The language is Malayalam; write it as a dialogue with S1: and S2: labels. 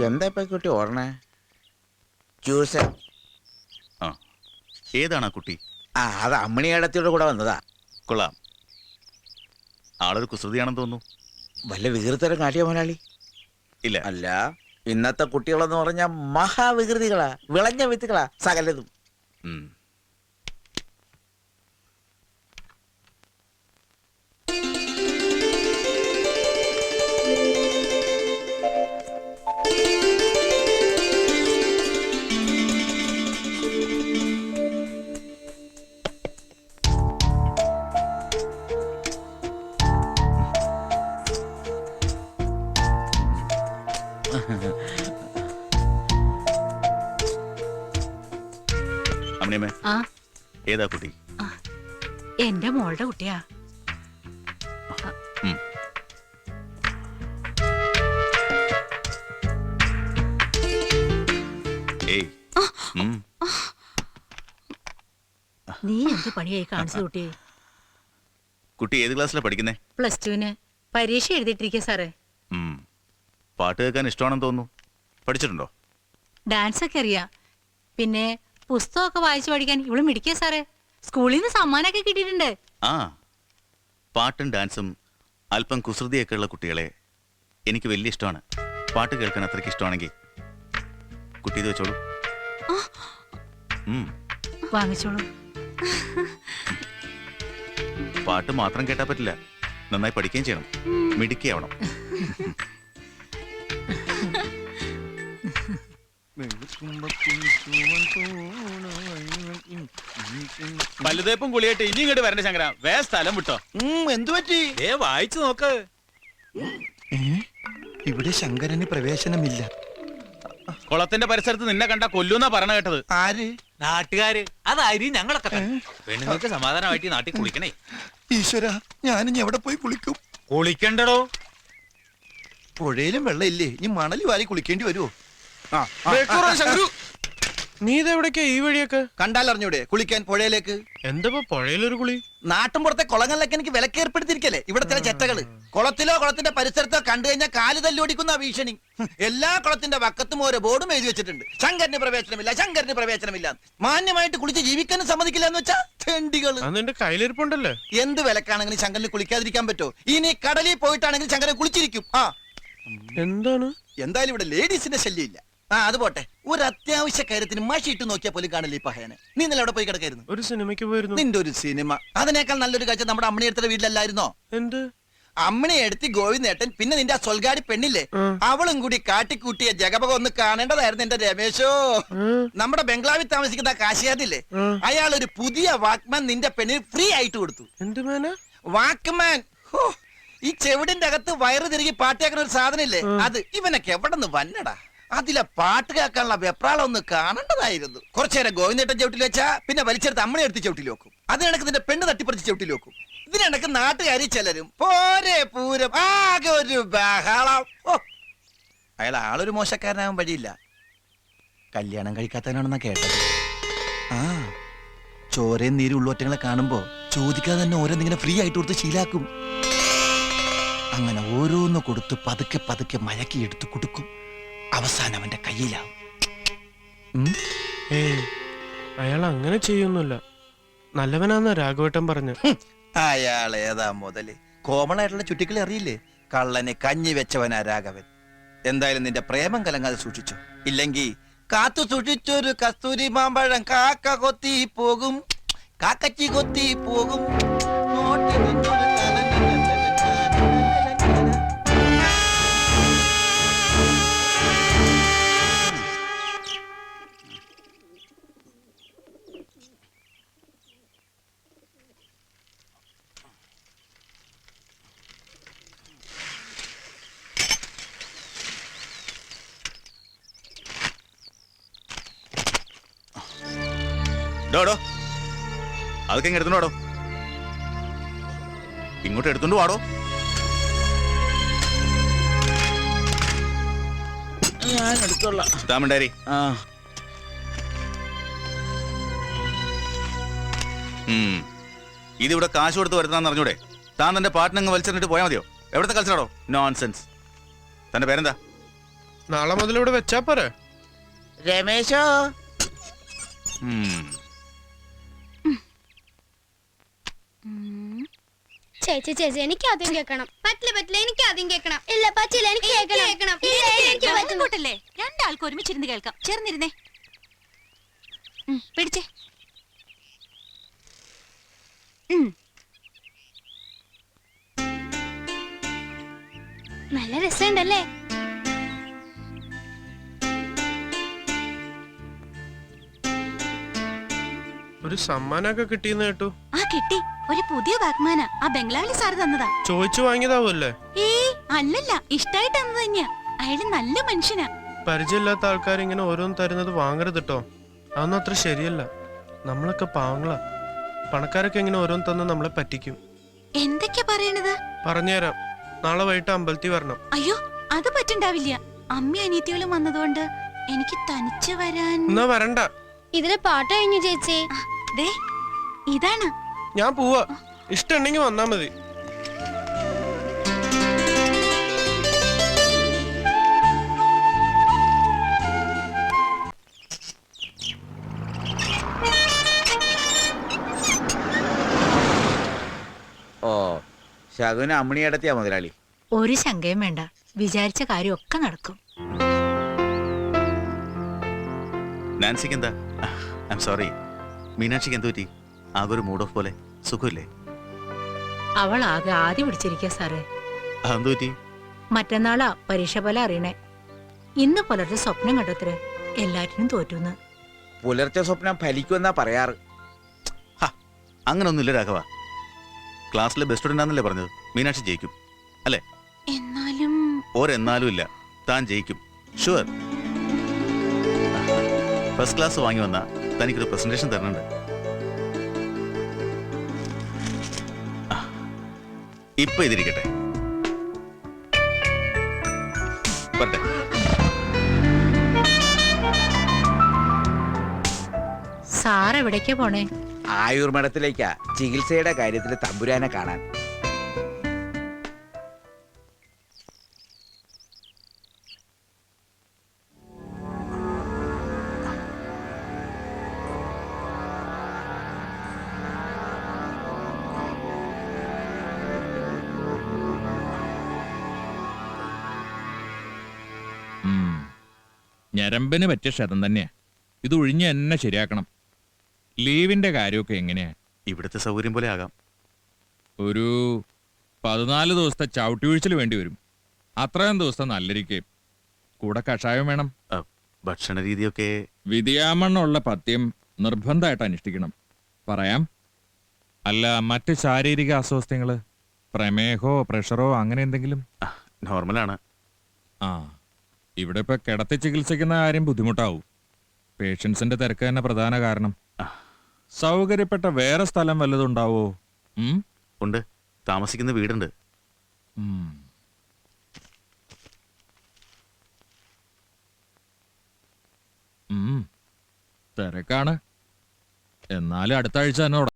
S1: എന്താ ഇപ്പൊ കുട്ടി ഓടണേ? ജ്യൂസ്.
S2: ആ, ഏതാണ് ആ കുട്ടി?
S1: അത് അമ്മണിയേടത്തിയുടെ കൂടെ വന്നതാ.
S2: കൊള്ളാം. ആളൊരു കുസൃതിയാണെന്ന് തോന്നുന്നു.
S1: വല്ല വികൃതരം കാട്ടിയ മുതലാളി?
S2: ഇല്ല.
S1: അല്ല, ഇന്നത്തെ കുട്ടികളെന്ന് പറഞ്ഞാൽ മഹാവികൃതികളാ, വിളഞ്ഞ വിത്തുകളാ സകലതും.
S2: അമ്മണിയമ്മേ, ഏതാ കുട്ടി?
S3: എന്റെ മോളുടെ കുട്ടിയാ. നീ എന്ത് പണിയായി കാണിച്ചു കുട്ടിയെ?
S2: കുട്ടി ഏത് ക്ലാസ്സിലാ പഠിക്കുന്നേ?
S3: +2 പരീക്ഷ എഴുതിയിട്ടിരിക്കുക സാറേ.
S2: പാട്ട് കേൾക്കാൻ ഇഷ്ടമാണെന്ന് തോന്നുന്നു. പഠിച്ചിട്ടുണ്ടോ?
S3: ഡാൻസ് ഒക്കെ അറിയാം. പിന്നെ പുസ്തകമൊക്കെ വായിച്ചു പഠിക്കാൻ ഇവള് മിടിക്കുക സാറേ. സ്കൂളിൽ നിന്ന് സമ്മാനമൊക്കെ കിട്ടിയിട്ടുണ്ട്.
S2: ആ, പാട്ടും ഡാൻസും അല്പം കുസൃതിയൊക്കെ ഉള്ള കുട്ടികളെ എനിക്ക് വലിയ ഇഷ്ടമാണ്. പാട്ട് കേൾക്കാൻ അത്രയ്ക്ക് ഇഷ്ടമാണെങ്കിൽ കുട്ടി ഇത് വെച്ചോളൂ.
S3: വാങ്ങിച്ചോളൂ.
S2: പാട്ട് മാത്രം കേട്ടാ പറ്റില്ല, നന്നായി പഠിക്കുകയും ചെയ്യണം, മിടുക്കിയാവണം.
S4: വലുതേപ്പും കുളിയായിട്ട് ഇനി ഇങ്ങോട്ട് വരണ്ട ശങ്കര. വേ സ്ഥലം വിട്ടോ.
S1: എന്തു പറ്റി?
S4: വായിച്ചു നോക്ക്.
S5: ഇവിടെ ശങ്കരന് പ്രവേശനമില്ല.
S4: കുളത്തിന്റെ പരിസരത്ത് നിന്നെ കണ്ട കൊല്ലൂന്നാ പറഞ്ഞ കേട്ടത്.
S5: ആര്?
S4: നാട്ടുകാര്. അതായി ഞങ്ങളൊക്കെ പെണ്ണുങ്ങൾക്ക് സമാധാനമായിട്ട് നാട്ടിൽ കുളിക്കണേ.
S5: ഈശ്വര, ഞാനിനി എവിടെ പോയി കുളിക്കും?
S4: കുളിക്കണ്ടടോ.
S5: പുഴയിലും വെള്ളമില്ലേ? ഇനി മണല് വാരി കുളിക്കേണ്ടി വരുമോ?
S6: നീ ഇതെവിടേക്കാ ഈ വഴിയൊക്കെ?
S5: കണ്ടാലറിഞ്ഞൂടെ കുളിക്കാൻ പുഴയിലേക്ക്?
S6: എന്താ പുഴയിലൊരു കുളി?
S5: നാട്ടുമ്പുറത്തെ കുളങ്ങളിലൊക്കെ എനിക്ക് വിലക്ക് ഏർപ്പെടുത്തിയിരിക്കല്ലേ ഇവിടെ ചില ചെറ്റകള്. കുളത്തിലോ കുളത്തിന്റെ പരിസരത്തോ കണ്ടു കഴിഞ്ഞാൽ കാല് തല്ലോടിക്കുന്ന ഭീഷണി. എല്ലാ കുളത്തിന്റെ വക്കത്തും ഓരോ ബോർഡും എഴുതി വെച്ചിട്ടുണ്ട്. ശങ്കരന് പ്രവേശനമില്ല, ശങ്കരന് പ്രവേശനമില്ല. മാന്യമായിട്ട് കുളിച്ച് ജീവിക്കാനും സമ്മതിക്കില്ല എന്ന് വെച്ചാ തെണ്ടികള്.
S6: നിന്റെ കയ്യിലിരിപ്പുണ്ടല്ലേ?
S5: എന്ത് വിലക്കാണെങ്കിലും ശങ്കരന് കുളിക്കാതിരിക്കാൻ പറ്റോ? ഇനി കടലിൽ പോയിട്ടാണെങ്കിൽ ശങ്കരൻ കുളിച്ചിരിക്കും.
S6: എന്താണ്?
S5: എന്തായാലും ഇവിടെ ലേഡീസിന്റെ ശല്യമില്ല. അത് പോട്ടെ, ഒരു അത്യാവശ്യ കാര്യത്തിന് മഷി ഇട്ട് നോക്കിയാൽ പോലും കാണില്ല ഈ പഹയനെ. നീ ഇന്നലെ അവിടെ പോയി കിടക്കായിരുന്നു?
S6: ഒരു സിനിമയ്ക്ക് പോയിരുന്നു.
S5: നിന്റെ ഒരു സിനിമ? അതിനേക്കാൾ നല്ലൊരു കാഴ്ച നമ്മുടെ അമ്മണി എടുത്ത വീട്ടിലല്ലായിരുന്നോ?
S6: എന്ത്?
S5: അമ്മണി എടുത്തി ഗോവിന്ദേട്ടൻ പിന്നെ നിന്റെ ആ സ്വൽഗാടി പെണ്ണില്ലേ, അവളും കൂടി കാട്ടിക്കൂട്ടിയ ജഗപക ഒന്ന് കാണേണ്ടതായിരുന്നു എന്റെ രമേശോ. നമ്മുടെ ബംഗ്ലാവിൽ താമസിക്കുന്ന കാശിയാദില്ലേ, അയാൾ ഒരു പുതിയ വാക്മാൻ നിന്റെ പെണ്ണിന് ഫ്രീ ആയിട്ട് കൊടുത്തു.
S6: എന്ത് മാന?
S5: വാക്മാൻ. ഈ ചെവിടിന്റെ അകത്ത് വയറ് തിരികെ പാട്ടേക്കുന്ന ഒരു സാധനം ഇല്ലേ, അത് ഇവനൊക്കെ എവിടെ നിന്ന് വന്നടാ. അതിലെ പാട്ട് കേൾക്കാനുള്ള വെപ്രാളം ഒന്ന് കാണേണ്ടതായിരുന്നു. കുറച്ചേരം ഗോവിന്ദേട്ടൻ ചവിട്ടിൽ വെച്ചാ പിന്നെ വലിച്ചെടുത്ത് അമ്മണി എടുത്ത് ചവിട്ടിൽ വെക്കും. അതിനിടക്ക് നിന്റെ പെണ്ണ് തട്ടിപ്പറിച്ച് ചവിട്ടിൽ വെക്കും. ഇതിനിടക്ക് നാട്ടുകാരി ചിലരും പോരെ പൂരം ആകെ ഒരു ബഹളം. അയാൾ ആളൊരു മോശക്കാരനാകാൻ വഴിയില്ല. കല്യാണം കഴിക്കാത്തവനാണെന്നാ കേട്ടത്. ചോരയും നീരും ഉള്ളൊറ്റങ്ങളെ കാണുമ്പോ ചോദിക്കാതെ തന്നെ ഓരോന്നിങ്ങനെ ഫ്രീ ആയിട്ട് കൊടുത്ത് ശീലാക്കും. അങ്ങനെ ഓരോന്ന് കൊടുത്ത് പതുക്കെ പതുക്കെ മയക്കി എടുത്ത് കൊടുക്കും. അവസാനം അവന്റെ കയ്യിലാവും.
S6: അയാൾ അങ്ങനെ ചെയ്യൊന്നുമില്ല, നല്ലവനാന്ന രാഘവേട്ടൻ പറഞ്ഞു.
S5: അയാൾ ഏതാ മുതല്? കോമൺ ആയിട്ടുള്ള ചുറ്റിക്കളി അറിയില്ലേ? കള്ളനെ കഞ്ഞി വെച്ചവനാ രാഘവൻ. എന്തായാലും നിന്റെ പ്രേമം കലങ്ങാതെ സൂക്ഷിച്ചോ, ഇല്ലെങ്കിൽ കാത്തു സൂക്ഷിച്ചൊരു കസ്തൂരി മാമ്പഴം കാക്ക കൊത്തി പോകും, കാക്കച്ചി കൊത്തി പോകും.
S2: അതൊക്കെ ഇങ്ങ് എടുത്തോണ്ടോ, ഇങ്ങോട്ട് എടുത്തോണ്ട് വാടോ.
S1: ഞാൻ എടുത്തോളാം.
S2: താമണ്ടാരി. ഇതിവിടെ കാശ് കൊടുത്ത് വരുത്താന്ന് അറിഞ്ഞൂടെ? താൻ തന്റെ പാട്ടിനങ്ങ് വലിച്ചെറിഞ്ഞിട്ട് പോയാൽ മതിയോ? എവിടത്തെ കളിച്ചാടോ? നോൺസെൻസ്. തന്റെ പേരെന്താ?
S6: നാളെ മുതൽ ഇവിടെ വെച്ചാ പോരെ?
S1: രമേശോ,
S2: ഉം.
S7: ചേച്ചി ചേച്ചി എനിക്ക് ആദ്യം കേൾക്കണം. പറ്റില്ല എനിക്ക് ആദ്യം കേൾക്കണം. ഇല്ല പറ്റില്ല എനിക്ക് കേൾക്കണം. എനിക്ക് പറ്റുന്നു.
S3: കൂട്ടല്ലേ രണ്ടാൾക്ക് ഒരുമിച്ചിരുന്ന് കേൾക്കാം. ചേർന്നിരുന്നേ. പിടിച്ചേ.
S7: നല്ല രസമുണ്ടല്ലേ?
S6: ഒരു സമ്മാനമൊക്കെ കിട്ടിയെന്ന് കേട്ടു.
S3: ആ കിട്ടി. ഒരു പുതിയ ബാഗ്മാനാ. ആ ബംഗ്ലാവിലെ സാറ് തന്നതാ.
S6: ചോദിച്ചു വാങ്ങിയതാവൂല്ലേ?
S3: ഏയ് അല്ലല്ല, ഇഷ്ടായിട്ട് തന്നത് തന്നെയാ. അയാള് നല്ല മനുഷ്യനാ.
S6: പരിചയമില്ലാത്ത ആൾക്കാർ ഇങ്ങനെ ഓരോന്ന് തരുന്നത് വാങ്ങരുത് കേട്ടോ. അതൊന്നും അത്ര ശരിയല്ല. നമ്മളൊക്കെ പാവങ്ങളാ. പണക്കാരൊക്കെ ഇങ്ങനെ ഓരോന്ന് തന്ന് നമ്മളെ പറ്റിക്കും.
S3: എന്തൊക്കെയാ പറയണത്?
S6: പറഞ്ഞുതരാം. നാളെ വൈകിട്ട് അമ്പലത്തിൽ വരണം.
S3: അയ്യോ അത് പറ്റുണ്ടാവില്ല. അമ്മ അനിയത്തികളും വന്നതുകൊണ്ട് എനിക്ക് തനിച്ച് വരാൻ.
S6: എന്നാ വരണ്ട.
S7: ഇതിലെ പാട്ട് കഴിഞ്ഞു ചേച്ചി.
S3: ദേ ഇതാണ്.
S6: ഞാൻ പോവാ. ഇഷ്ടമുണ്ടെങ്കിൽ വന്നാ മതി.
S1: ഓ ശകുന അമ്മണിയടത്തിയാ മുതലാളി.
S3: ഒരു ശങ്കയും വേണ്ട. വിചാരിച്ച കാര്യമൊക്കെ നടക്കും.
S2: നാൻസിക്ക് എന്താ? I am sorry. മീനാക്ഷിക്ക് എന്ത് പറ്റി? ആകെ ഒരു മൂഡ് ഓഫ് പോലെ. സുഖമില്ലേ?
S3: അവൾ ആകെ ആദ്യം പിടിച്ചിരിക്കുക സാറേ.
S2: അതെന്ത് പറ്റി?
S3: മറ്റന്നാളാ പരീക്ഷ പോലെ അറിയണേ. ഇന്ന് പുലർച്ചെ സ്വപ്നം കണ്ടത്രേ എല്ലാറ്റിനും തോറ്റുന്ന്.
S1: പുലർച്ചെ സ്വപ്നം ഫലിക്കുമെന്നാ പറയാറ്.
S2: അങ്ങനൊന്നുമില്ല രാഘവ. ക്ലാസ്സിലെ ബെസ്റ്റ് സ്റ്റുഡൻ്റ് ആണെന്നല്ലേ പറഞ്ഞത്? മീനാക്ഷി ജയിക്കും അല്ലേ?
S3: എന്നാലും
S2: ഒരെന്നാലും ഇല്ല, താൻ ജയിക്കും. ഷുവർ. ഫസ്റ്റ് ക്ലാസ് വാങ്ങി വന്ന തനിക്കൊരു പ്രസന്റേഷൻ തരുന്നുണ്ട്. ഇപ്പൊ ഇതിരിക്കട്ടെ. വരട്ടെ.
S3: സാർ എവിടേക്കാ പോണേ?
S1: ആയുർമഠത്തിലേക്കാ ചികിത്സയുടെ കാര്യത്തിൽ തമ്പുരാനെ കാണാൻ.
S8: ഞരമ്പന് പറ്റിയ ക്ഷതം തന്നെയാ. ഇത് ഒഴിഞ്ഞ് എന്നെ ശരിയാക്കണം. ലീവിന്റെ കാര്യമൊക്കെ എങ്ങനെയാ?
S2: ഇവിടുത്തെ സൗകര്യം പോലെ ആകാം.
S8: ഒരു 14 ദിവസത്തെ ചവിട്ടി വീഴ്ചൽ വേണ്ടി വരും. അത്രയും ദിവസത്തെ നല്ലിരിക്കുകയും കൂടെ കഷായം വേണം.
S2: ഭക്ഷണ രീതിയൊക്കെ
S8: വിധിയാമണ്ണുള്ള പഥ്യം നിർബന്ധമായിട്ട് അനുഷ്ഠിക്കണം. പറയാം. അല്ല, മറ്റ് ശാരീരിക അസ്വസ്ഥങ്ങള്, പ്രമേഹോ പ്രഷറോ അങ്ങനെ എന്തെങ്കിലും?
S2: നോർമലാണ്.
S8: ആ, ഇവിടെ ഇപ്പൊ കിടത്തി ചികിത്സിക്കുന്ന കാര്യം ബുദ്ധിമുട്ടാവും. പേഷ്യൻസിന്റെ തിരക്ക് തന്നെ പ്രധാന കാരണം. സൗകര്യപ്പെട്ട വേറെ സ്ഥലം വല്ലതും ഉണ്ടാവോ?
S2: ഉണ്ട്, താമസിക്കുന്ന വീടുണ്ട്.
S8: തിരക്കാണ്. എന്നാലും അടുത്ത ആഴ്ച തന്നെ